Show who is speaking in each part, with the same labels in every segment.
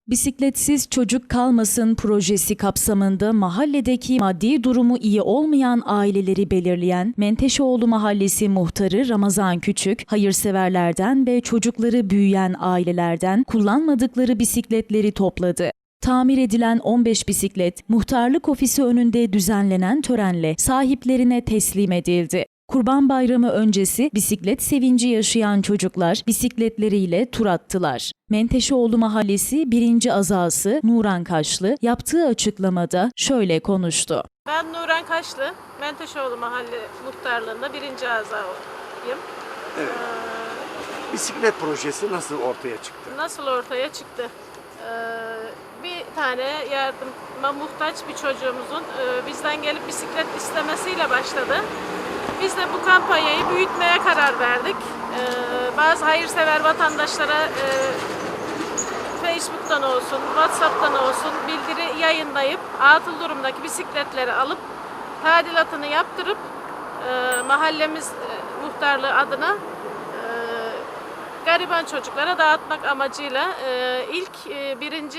Speaker 1: Bisikletsiz çocuk kalmasın projesi kapsamında mahalledeki maddi durumu iyi olmayan aileleri belirleyen Menteşeoğlu Mahallesi Muhtarı Ramazan Küçük, hayırseverlerden ve çocukları büyüyen ailelerden kullanmadıkları bisikletleri topladı. Tamir edilen 15 bisiklet, muhtarlık ofisi önünde düzenlenen törenle sahiplerine teslim edildi. Kurban Bayramı öncesi bisiklet sevinci yaşayan çocuklar bisikletleriyle tur attılar. Menteşeoğlu Mahallesi 1. Azası Nuran Kaşlı yaptığı açıklamada şöyle konuştu.
Speaker 2: Ben Nuran Kaşlı, Menteşeoğlu Mahalle Muhtarlığı'nda 1. azayım.
Speaker 3: Evet. Bisiklet projesi nasıl ortaya çıktı?
Speaker 2: Nasıl ortaya çıktı? Bir tane yardıma muhtaç bir çocuğumuzun bizden gelip bisiklet istemesiyle başladı. Biz de bu kampanyayı büyütmeye karar verdik. Bazı hayırsever vatandaşlara Facebook'tan olsun, WhatsApp'tan olsun bildiri yayınlayıp atıl durumdaki bisikletleri alıp tadilatını yaptırıp mahallemiz muhtarlığı adına gariban çocuklara dağıtmak amacıyla ilk birinci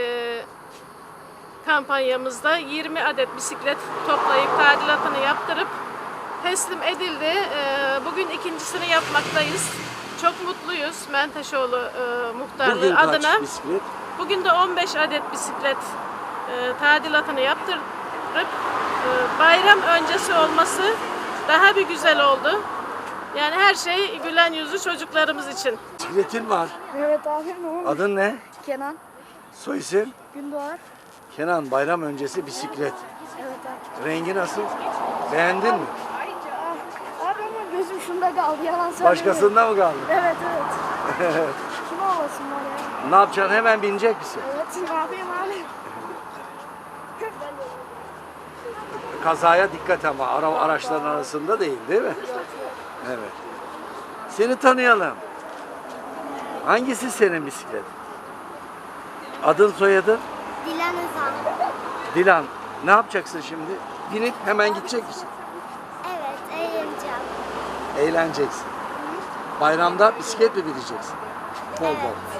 Speaker 2: kampanyamızda 20 adet bisiklet toplayıp tadilatını yaptırıp teslim edildi. Bugün ikincisini yapmaktayız. Çok mutluyuz Menteşeoğlu muhtarlığı
Speaker 3: Bugün
Speaker 2: adına.
Speaker 3: kaç bisiklet?
Speaker 2: Bugün de 15 adet bisiklet tadilatını yaptırıp bayram öncesi olması daha bir güzel oldu. Yani her şey gülen yüzlü çocuklarımız için.
Speaker 3: Bisikletin var.
Speaker 4: Evet abi, ne olmuş?
Speaker 3: Adın ne?
Speaker 4: Kenan,
Speaker 3: Soy isim?
Speaker 4: Gündoğar.
Speaker 3: Kenan, bayram öncesi bisiklet.
Speaker 4: Evet abi.
Speaker 3: Rengi nasıl? Beğendin mi?
Speaker 4: Abi ama gözüm şunda kaldı, yalan söylemiyorum.
Speaker 3: Başkasında mı kaldı?
Speaker 4: Evet. Kim olmasın var ya?
Speaker 3: Ne yapacaksın? Hemen binecek misin?
Speaker 4: Evet, ne yapayım abi?
Speaker 3: Kazaya dikkat ama araçların arasında değil mi? Evet. Seni tanıyalım. Hangisi senin bisiklet? Adın, soyadın?
Speaker 4: Dilan Özal.
Speaker 3: Dilan. Ne yapacaksın şimdi? Binip hemen gidecek misin?
Speaker 4: Evet, eğleneceğim.
Speaker 3: Eğleneceksin. Bayramda bisiklet mi bineceksin? Bol bol.
Speaker 4: Evet.